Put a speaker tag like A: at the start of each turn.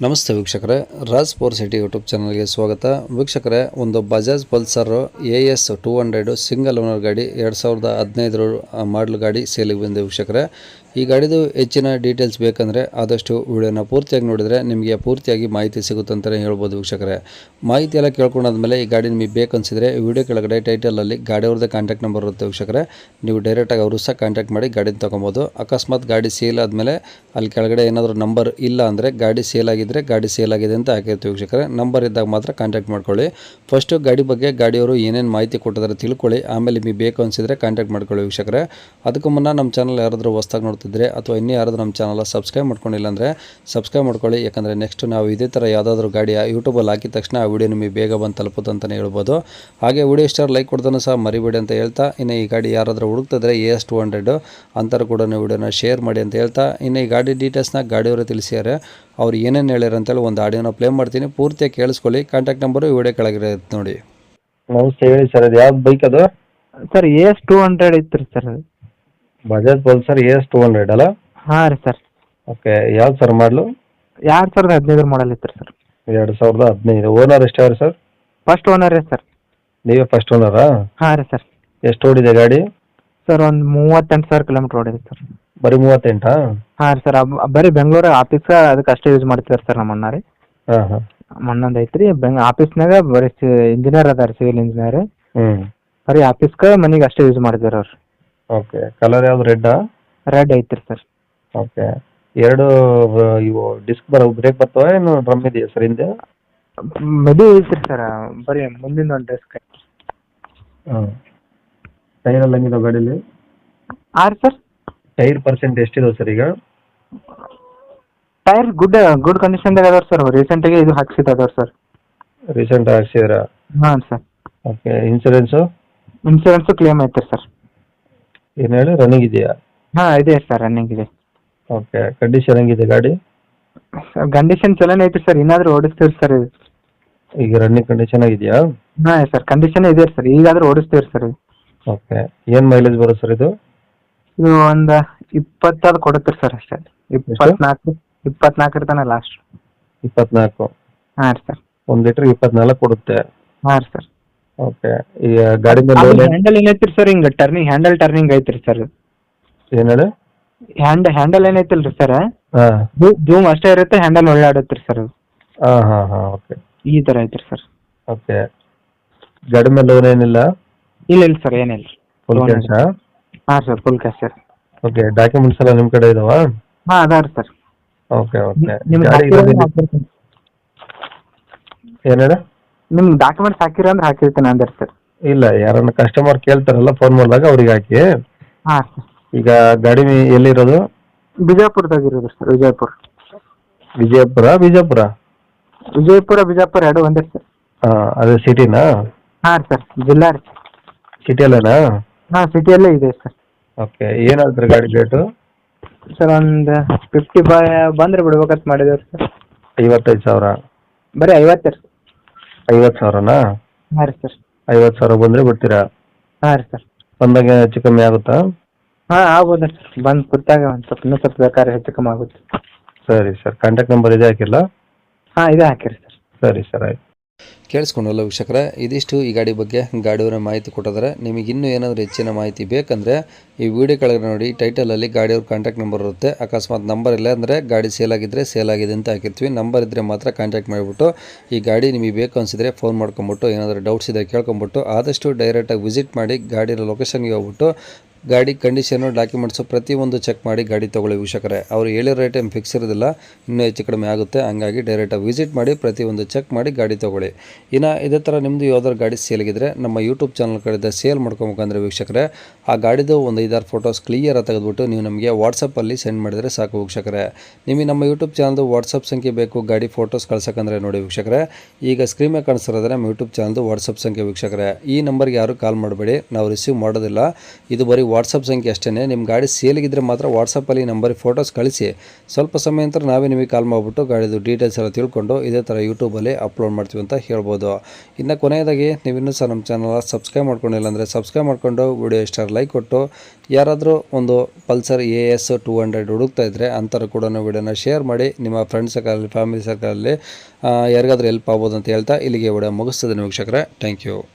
A: ನಮಸ್ತೆ ವೀಕ್ಷಕರೇ, Raj four city YouTube ಚಾನಲ್ಗೆ ಸ್ವಾಗತ. ವೀಕ್ಷಕರೇ, ಒಂದು Bajaj Pulsar AS 200 single owner ಗಾಡಿ 2015 ಮಾಡಲ್ ಗಾಡಿ ಸೇಲಿಗೆ ಬಂದಿದೆ ವೀಕ್ಷಕರೇ. ಈ ಗಾಡಿದು ಹೆಚ್ಚಿನ ಡೀಟೇಲ್ಸ್ ಬೇಕಂದರೆ ಆದಷ್ಟು ವಿಡಿಯೋನ ಪೂರ್ತಿಯಾಗಿ ನೋಡಿದರೆ ನಿಮಗೆ ಪೂರ್ತಿಯಾಗಿ ಮಾಹಿತಿ ಸಿಗುತ್ತೆ ಅಂತಲೇ ಹೇಳ್ಬೋದು ವೀಕ್ಷಕರೇ. ಮಾಹಿತಿ ಎಲ್ಲ ಕೇಳ್ಕೊಂಡಾದ್ಮೇಲೆ ಈ ಗಾಡಿ ನಿಮಗೆ ಬೇಕನ್ಸಿದ್ರೆ ವಿಡಿಯೋ ಕೆಳಗಡೆ ಟೈಟಲಲ್ಲಿ ಗಾಡಿಯವ್ರದ್ದೇ ಕಾಂಟ್ಯಾಕ್ಟ್ ನಂಬರ್ ಇರುತ್ತೆ ವೀಕ್ಷಕರೇ. ನೀವು ಡೈರೆಕ್ಟಾಗಿ ಅವರು ಸಹ ಕಾಂಟ್ಯಾಕ್ಟ್ ಮಾಡಿ ಗಾಡಿನ ತೊಗೊಬೋದು. ಅಕಸ್ಮಾತ್ ಗಾಡಿ ಸೇಲ್ ಆದಮೇಲೆ ಅಲ್ಲಿ ಕೆಳಗಡೆ ಏನಾದರೂ ನಂಬರ್ ಇಲ್ಲ ಅಂದರೆ ಗಾಡಿ ಸೇಲ್ ಆಗಿದ್ದರೆ ಗಾಡಿ ಸೇಲ್ ಆಗಿದೆ ಅಂತ ಹಾಕಿರ್ತೀವಿ ವೀಕ್ಷಕರೇ. ನಂಬರ್ ಇದ್ದಾಗ ಮಾತ್ರ ಕಾಂಟ್ಯಾಕ್ಟ್ ಮಾಡ್ಕೊಳ್ಳಿ. ಫಸ್ಟು ಗಾಡಿ ಬಗ್ಗೆ ಗಾಡಿಯವರು ಏನೇನು ಮಾಹಿತಿ ಕೊಟ್ಟಿದ್ದಾರೆ ತಿಳ್ಕೊಳ್ಳಿ, ಆಮೇಲೆ ನಿಮಗೆ ಬೇಕು ಅನಿಸಿದರೆ ಕಾಂಟ್ಯಾಕ್ಟ್ ಮಾಡ್ಕೊಳ್ಳಿ ವೀಕ್ಷಕರೇ. ಅದಕ್ಕೂ ಮುನ್ನ ನಮ್ಮ ಚಾನಲ್ ಯಾರಾದರೂ ಹೊಸ್ದಾಗಿ ನೋಡ್ತಿದ್ರೆ ಅಥವಾ ಇನ್ನೂ ಯಾರಾದರೂ ನಮ್ಮ ಚಾನಲ್ ಸಬ್ಸ್ಕ್ರೈಬ್ ಮಾಡ್ಕೊಂಡಿಲ್ಲ ಅಂದರೆ ಸಬ್ಸ್ಕ್ರೈಬ್ ಮಾಡ್ಕೊಳ್ಳಿ. ಯಾಕಂದರೆ ನೆಕ್ಸ್ಟ್ ನಾವು ಇದೇ ಥರ ಯಾವುದಾದ್ರೂ ಗಾಡಿಯ ಯೂಟ್ಯೂಬಲ್ಲಿ ಹಾಕಿದ ತಕ್ಷಣ ಆ ವಿಡಿಯೋ ನಿಮಗೆ ಬೇಗ ಬಂದು ತಲುಪುತ್ತೆ ಅಂತಲೇ ಹೇಳ್ಬೋದು. ಹಾಗೆ ವಿಡಿಯೋ ಇಷ್ಟ ಲೈಕ್ ಕೊಡ್ದೂ ಸಹ ಮರಿಬೇಡಿ ಅಂತ ಹೇಳ್ತಾ, ಇನ್ನು ಈ ಗಾಡಿ ಯಾರಾದರೂ ಹುಡುಕ್ತಿದ್ರೆ AS 200 ಅಂತಾರೆ ಕೂಡ ವಿಡಿಯೋನ ಶೇರ್ ಮಾಡಿ ಅಂತ ಹೇಳ್ತಾ, ಇನ್ನು ಈ ಗಾಡಿ ಡೀಟೇಲ್ಸ್ನ ಗಾಡಿಯವರು ತಿಳಿಸಿದ್ದಾರೆ. ಅವ್ರು ಏನೇನು ಹೇಳ್ಯಾರ ಅಂತೇಳಿ ಒಂದು ಆಡಿಯೋನ ಪ್ಲೇ ಮಾಡ್ತೀನಿ, ಪೂರ್ತಿಯಾಗಿ ಕೇಳಿಸ್ಕೊಳ್ಳಿ. ಕಾಂಟ್ಯಾಕ್ಟ್ ನಂಬರು ವಿಡಿಯೋ ಕೆಳಗಿರುತ್ತೆ ನೋಡಿ.
B: ನಮಸ್ತೆ, ಹೇಳಿ ಸರ್. ಅದು ಯಾವ್ದು ಬೈಕ್ ಅದು?
C: ಸರ್ AS 200 ಐತ್ರಿ ಸರ್ ಅದು.
B: ಬಜಾಜ್ ಪಲ್ಸರ್ AS 200 ಅಲ್ಲ?
C: ಹಾಂ ರೀ ಸರ್.
B: ಓಕೆ, ಯಾವ್ದು ಸರ್ ಮಾಡಲು?
C: 2015 ಮಾಡಲ್ ಐತ್ರಿ ಸರ್.
B: 2015. ಓನರ್ ಎಷ್ಟಾವ್ರಿ ಸರ್?
C: ಫಸ್ಟ್ ಓನರ್ ರೀ ಸರ್.
B: ನೀವೇ ಫಸ್ಟ್ ಓನರಾ?
C: ಹಾಂ ರೀ ಸರ್.
B: ಎಷ್ಟು ಓಡಿದೆ ಗಾಡಿ?
C: ಸರ್ ಒಂದು 38,000 ಕಿಲೋಮೀಟ್ರ್ ಓಡಿದೆ ಸರ್.
B: ಬರೀ 38?
C: ಹಾಂ ರೀ ಸರ್. ಬರೀ ಬೆಂಗಳೂರು ಆಫೀಸ್ ಅದಕ್ಕೆ ಅಷ್ಟೇ ಯೂಸ್ ಮಾಡ್ತಿದ್ದಾರೆ ಸರ್ ನಮ್ಮ ಅಣ್ಣ ರೀ.
B: ಹಾಂ ಹಾಂ.
C: ಮಣ್ಣೊಂದು ಐತ್ರಿ ಆಫೀಸ್ನಾಗ ಬರೀ ಇಂಜಿನಿಯರ್ ಅದಾರ, ಸಿವಿಲ್ ಇಂಜಿನಿಯರ್.
B: ಹ್ಞೂ.
C: ಬರೀ ಆಫೀಸ್ಗೆ ಮನೆಗೆ ಅಷ್ಟೇ ಯೂಸ್ ಮಾಡ್ತಿದ್ದಾರೆ ಅವ್ರು.
B: ಓಕೆ, ಕಲರ್ ಯಾವ್ದು? ರೆಡ್ಡಾ?
C: ರೆಡ್ ಐತ್ರಿ ಸರ್.
B: ಓಕೆ. ಎರಡು ಇವು ಡಿಸ್ಕ್ ಬ್ರೇಕ್ ಬರ್ತವೆ, ಏನು ಡ್ರಮ್ ಇದೆಯಾ ಸರ್ ಹಿಂದೆ?
C: ಮದುವೆ ಐತ್ರಿ ಸರ್, ಬರೀ ಮುಂದಿನ ಒಂದು ಡೆಸ್ಕ್.
B: ಹಾಂ. ಟೈರ್ ಎಲ್ಲ ಹೆಂಗಿದಾವೆ ಗಾಡೀಲಿ?
C: ಹಾಂ ರೀ ಸರ್.
B: ಟೈರ್ ಪರ್ಸೆಂಟ್ ಎಷ್ಟಿದಾವೆ ಸರ್ ಈಗ?
C: ಟೈರ್ ಗುಡ್ ಕಂಡೀಷನ್ದಾಗ ಅದಾವ ಸರ್. ರೀಸೆಂಟಾಗಿ ಇದು ಹಾಕ್ಸಿದ್ದವ್ರು ಸರ್.
B: ರೀಸೆಂಟ್ ಹಾಕ್ಸಿದ್ರಾ?
C: ಹಾಂ sir.
B: Okay. Insurance?
C: Insurance claim ಐತೆ ಸರ್.
B: ಏನು ಹೇಳಿ, ರನ್ನಿಂಗ್ ಇದೆಯಾ?
C: ಹಾಂ ಇದೆ ಸರ್, ರನ್ನಿಂಗ್ ಇದೆ.
B: ಓಕೆ. ಕಂಡೀಷನ್ ಹೆಂಗಿದೆ ಗಾಡಿ?
C: ಕಂಡೀಷನ್ ಚಲೋನೇ ಐತಿ ಸರ್, ಇನ್ನಾದ್ರೂ ಓಡಿಸ್ತೀವಿ ಸರ್ ಇದು.
B: ಈಗ ರನ್ನಿಂಗ್ ಕಂಡೀಷನ್ ಆಗಿದೆಯಾ?
C: ಹಾಂ ಸರ್, ಕಂಡೀಷನ್ ಇದೆ ಸರ್, ಈಗಾದ್ರೂ ಓಡಿಸ್ತೀವಿ ಸರ್ ಇದು.
B: ಓಕೆ. ಏನು ಮೈಲೇಜ್ ಬರುತ್ತೆ ಸರ್ ಇದು?
C: ಇದು ಒಂದು 20 ಕೊಡುತ್ತೆ ಸರ್ ಅಷ್ಟೇ. 24 ತನಕ ಲಾಸ್ಟ್.
B: 24?
C: ಹಾಂ ರೀ ಸರ್.
B: 1 ಲೀಟ್ರ್ 24 ಕೊಡುತ್ತೆ?
C: ಹಾಂ ರೀ ಸರ್.
B: ಓಕೆ. ಈಗ ಗಾಡಿ ಮೇಲೆ
C: ಹ್ಯಾಂಡಲ್ ಏನೈತ್ರಿ ಸರ್, ಹಿಂಗೆ ಟರ್ನಿಂಗ್ ಐತ್ರಿ ಸರ್.
B: ಏನು ಹೇಳಿ?
C: ಹ್ಯಾಂಡಲ್ ಏನೈತಿಲ್ರಿ ಸರ್,
B: ಹಾಂ.
C: ಜೂಮ್ ಅಷ್ಟೇ ಇರುತ್ತೆ, ಹ್ಯಾಂಡಲ್ ಒಳ್ಳೆ ಆಡುತ್ತೆ ಸರ್ ಅದು.
B: ಹಾಂ ಹಾಂ ಹಾಂ. ಓಕೆ.
C: ಈ ಥರ ಐತ್ರಿ ಸರ್.
B: ಓಕೆ. ಗಾಡಿ ಮೇಲೆ ಲೋನ್ ಏನಿಲ್ಲ?
C: ಇಲ್ಲ ಸರ್, ಏನಿಲ್ಲ.
B: Full cash?
C: ಹಾಂ sir, full cash sir.
B: Okay. Documents ಎಲ್ಲ ನಿಮ್ಮ ಕಡೆ ಇದಾವಾ?
C: ಹಾಂ ಅದಾವ ಸರ್.
B: Okay okay.
C: ನಿಮ್ಗೆ
B: ಗಾಡಿ ಏನು ಹೇಳಿ?
C: ನಿಮ್ಗೆ ಡಾಕ್ಯುಮೆಂಟ್ಸ್ ಹಾಕಿರ ಅಂದ್ರೆ ಹಾಕಿರ್ತೀನಿ ಅಂದ್ರೆ ಸರ್.
B: ಇಲ್ಲ, ಯಾರನ್ನ ಕಸ್ಟಮರ್ ಕೇಳ್ತಾರಲ್ಲ ಫೋನ್ ಮಾಡಿದಾಗ ಅವ್ರಿಗೆ ಹಾಕಿ.
C: ಹಾಂ ಸರ್.
B: ಈಗ ಗಾಡಿ ಎಲ್ಲಿರೋದು?
C: ಬಿಜಾಪುರದಾಗ ಇರೋದು ಸರ್.
B: ವಿಜಯಪುರ
C: ಬಿಜಾಪುರ ಎರಡು ಒಂದೇ ಸರ್.
B: ಹಾಂ. ಅದೇ ಸಿಟಿನಾ?
C: ಹಾಂ ರೀ ಸರ್, ಜಿಲ್ಲಾ ರೀ.
B: ಸಿಟಿಯಲ್ಲೇನಾ?
C: ಹಾಂ, ಸಿಟಿಯಲ್ಲೇ ಇದೆ ಸರ್.
B: ಓಕೆ. ಏನು ಹೇಳ್ತಾರೆ ಗಾಡಿ ರೇಟು?
C: ಸರ್ ಒಂದು 50 ಬಂದ್ರೆ ಬಿಡ್ಬೇಕಂತ ಮಾಡಿದೇವ್ರಿ ಸರ್.
B: 55,000?
C: ಬರೀ 50 ರೀ.
B: 50,000ನಾ?
C: ಹಾಂ ರೀ ಸರ್.
B: 50,000 ಬಂದರೆ ಬಿಡ್ತೀರಾ?
C: ಹಾಂ ರೀ ಸರ್.
B: ಬಂದಾಗ ಹೆಚ್ಚು ಕಮ್ಮಿ ಆಗುತ್ತಾ?
C: ಹಾಂ ಆಗ್ಬೋದು ಸರ್, ಬಂದು ಕೂತಾಗ ಒಂದು ಸ್ವಲ್ಪ ಇನ್ನೂ ಸ್ವಲ್ಪ ಬೇಕಾದ್ರೆ ಹೆಚ್ಚು ಕಮ್ಮಿ ಆಗುತ್ತೆ.
B: ಸರಿ ಸರ್. ಕಾಂಟ್ಯಾಕ್ಟ್ ನಂಬರ್ ಇದೆ ಹಾಕಿಲ್ಲ?
C: ಹಾಂ ಇದೆ ಹಾಕಿರಿ ಸರ್.
B: ಸರಿ ಸರ್, ಆಯ್ತು.
A: ಕೇಳಿಸ್ಕೊಂಡಲ್ಲ ವೀಕ್ಷಕರೇ, ಇದಿಷ್ಟು ಈ ಗಾಡಿ ಬಗ್ಗೆ ಗಾಡಿಯವರ ಮಾಹಿತಿ ಕೊಟ್ಟಿದ್ದಾರೆ. ನಿಮಗೆ ಇನ್ನೂ ಏನಾದರೂ ಹೆಚ್ಚಿನ ಮಾಹಿತಿ ಬೇಕಂದರೆ ಈ ವಿಡಿಯೋ ಕೆಳಗೆ ನೋಡಿ, ಟೈಟಲಲ್ಲಿ ಗಾಡಿಯವ್ರ ಕಾಂಟ್ಯಾಕ್ಟ್ ನಂಬರ್ ಇರುತ್ತೆ. ಅಕಸ್ಮಾತ್ ನಂಬರ್ ಇಲ್ಲ ಅಂದರೆ ಗಾಡಿ ಸೇಲ್ ಆಗಿದ್ದರೆ ಸೇಲ್ ಆಗಿದೆ ಅಂತ ಹಾಕಿರ್ತೀವಿ. ನಂಬರ್ ಇದ್ದರೆ ಮಾತ್ರ ಕಾಂಟ್ಯಾಕ್ಟ್ ಮಾಡಿಬಿಟ್ಟು ಈ ಗಾಡಿ ನಿಮಗೆ ಬೇಕು ಅನಿಸಿದರೆ ಫೋನ್ ಮಾಡ್ಕೊಂಬಿಟ್ಟು, ಏನಾದರೂ ಡೌಟ್ಸ್ ಇದ್ದರೆ ಕೇಳ್ಕೊಂಬಿಟ್ಟು ಆದಷ್ಟು ಡೈರೆಕ್ಟಾಗಿ ವಿಸಿಟ್ ಮಾಡಿ ಗಾಡಿಯ ಲೊಕೇಶನ್ಗೆ ಹೋಗ್ಬಿಟ್ಟು ಗಾಡಿ ಕಂಡೀಷನು, ಡಾಕ್ಯುಮೆಂಟ್ಸು ಪ್ರತಿಯೊಂದು ಚೆಕ್ ಮಾಡಿ ಗಾಡಿ ತೊಗೊಳ್ಳಿ ವೀಕ್ಷಕರೇ. ಅವರು ಹೇಳಿರೋ ರೇಟ್ ಏನು ಫಿಕ್ಸ್ ಇರೋದಿಲ್ಲ, ಇನ್ನೂ ಹೆಚ್ಚು ಕಡಿಮೆ ಆಗುತ್ತೆ. ಹಂಗಾಗಿ ಡೈರೆಕ್ಟಾಗಿ ವಿಸಿಟ್ ಮಾಡಿ ಪ್ರತಿಯೊಂದು ಚೆಕ್ ಮಾಡಿ ಗಾಡಿ ತೊಗೊಳ್ಳಿ. ಇನ್ನು ಇದೇ ಥರ ನಿಮ್ಮದು ಯಾವ್ದಾದ್ರು ಗಾಡಿ ಸೇಲ್ಗಿದ್ರೆ ನಮ್ಮ ಯೂಟ್ಯೂಬ್ ಚಾನಲ್ ಕಡೆಯಿಂದ ಸೇಲ್ ಮಾಡ್ಕೊಬೇಕಂದ್ರೆ ವೀಕ್ಷಕರೇ, ಆ ಗಾಡಿದು ಒಂದು 5-6 ಫೋಟೋಸ್ ಕ್ಲಿಯರಾಗಿ ತೆಗೆದುಬಿಟ್ಟು ನೀವು ನಮಗೆ ವಾಟ್ಸಪ್ಪಲ್ಲಿ ಸೆಂಡ್ ಮಾಡಿದರೆ ಸಾಕು ವೀಕ್ಷಕರೇ. ನಿಮಗೆ ನಮ್ಮ ಯೂಟ್ಯೂಬ್ ಚಾನಲ್ದು ವಾಟ್ಸಪ್ ಸಂಖ್ಯೆ ಬೇಕು ಗಾಡಿ ಫೋಟೋಸ್ ಕಳ್ಸೋಕ್ಕಂದ್ರೆ ನೋಡಿ ವೀಕ್ಷಕರೇ, ಈಗ ಸ್ಕ್ರೀನ್ ಮೇಲೆ ಕಾಣಿಸ್ತಿರೋದ್ರೆ ನಮ್ಮ ಯೂಟ್ಯೂಬ್ ಚಾನಲ್ದು ವಾಟ್ಸಪ್ ಸಂಖ್ಯೆ ವೀಕ್ಷಕರೇ. ಈ ನಂಬರ್ಗೆ ಯಾರು ಕಾಲ್ ಮಾಡಬೇಡಿ, ನಾವು ರಿಸೀವ್ ಮಾಡೋದಿಲ್ಲ. ಇದು ಬರೀ ವಾಟ್ಸಪ್ ಸಂಖ್ಯೆ ಅಷ್ಟೇ. ನಿಮ್ಮ ಗಾಡಿ ಸೇಲಿಗಿದ್ರೆ ಮಾತ್ರ ವಾಟ್ಸಪ್ಪಲ್ಲಿ ನಂಬರಿಗೆ ಫೋಟೋಸ್ ಕಳಿಸಿ, ಸ್ವಲ್ಪ ಸಮಯ ನಂತರ ನಾವೇ ನಿಮಗೆ ಕಾಲ್ ಮಾಡಿಬಿಟ್ಟು ಗಾಡಿದು ಡೀಟೇಲ್ಸ್ ಎಲ್ಲ ತಿಳ್ಕೊಂಡು ಇದೇ ಥರ ಯೂಟ್ಯೂಬಲ್ಲಿ ಅಪ್ಲೋಡ್ ಮಾಡ್ತೀವಿ ಅಂತ ಹೇಳ್ಬೋದು. ಇನ್ನು ಕೊನೆಯದಾಗಿ ನೀವು ಇನ್ನೂ ಸಹ ನಮ್ಮ ಚಾನಲ್ ಸಬ್ಸ್ಕ್ರೈಬ್ ಮಾಡ್ಕೊಂಡಿಲ್ಲ ಅಂದರೆ ಸಬ್ಸ್ಕ್ರೈಬ್ ಮಾಡ್ಕೊಂಡು ವಿಡಿಯೋ ಇಷ್ಟ ಲೈಕ್ ಕೊಟ್ಟು, ಯಾರಾದರೂ ಒಂದು ಪಲ್ಸರ್ AS 200 ಹುಡುಕ್ತಾ ಇದ್ದರೆ ಅಂಥವ್ರು ಕೂಡ ವಿಡಿಯೋನ ಶೇರ್ ಮಾಡಿ, ನಿಮ್ಮ ಫ್ರೆಂಡ್ಸ್ ಸರ್ಕಲಲ್ಲಿ ಫ್ಯಾಮಿಲಿ ಸರ್ಕಲಲ್ಲಿ ಯಾರಿಗಾದ್ರೂ ಹೆಲ್ಪ್ ಆಗ್ಬೋದು ಅಂತ ಹೇಳ್ತಾ ಇಲ್ಲಿಗೆ ವಿಡಿಯೋ ಮುಗಿಸ್ತದೆ ವೀಕ್ಷಕರೇ. Thank you.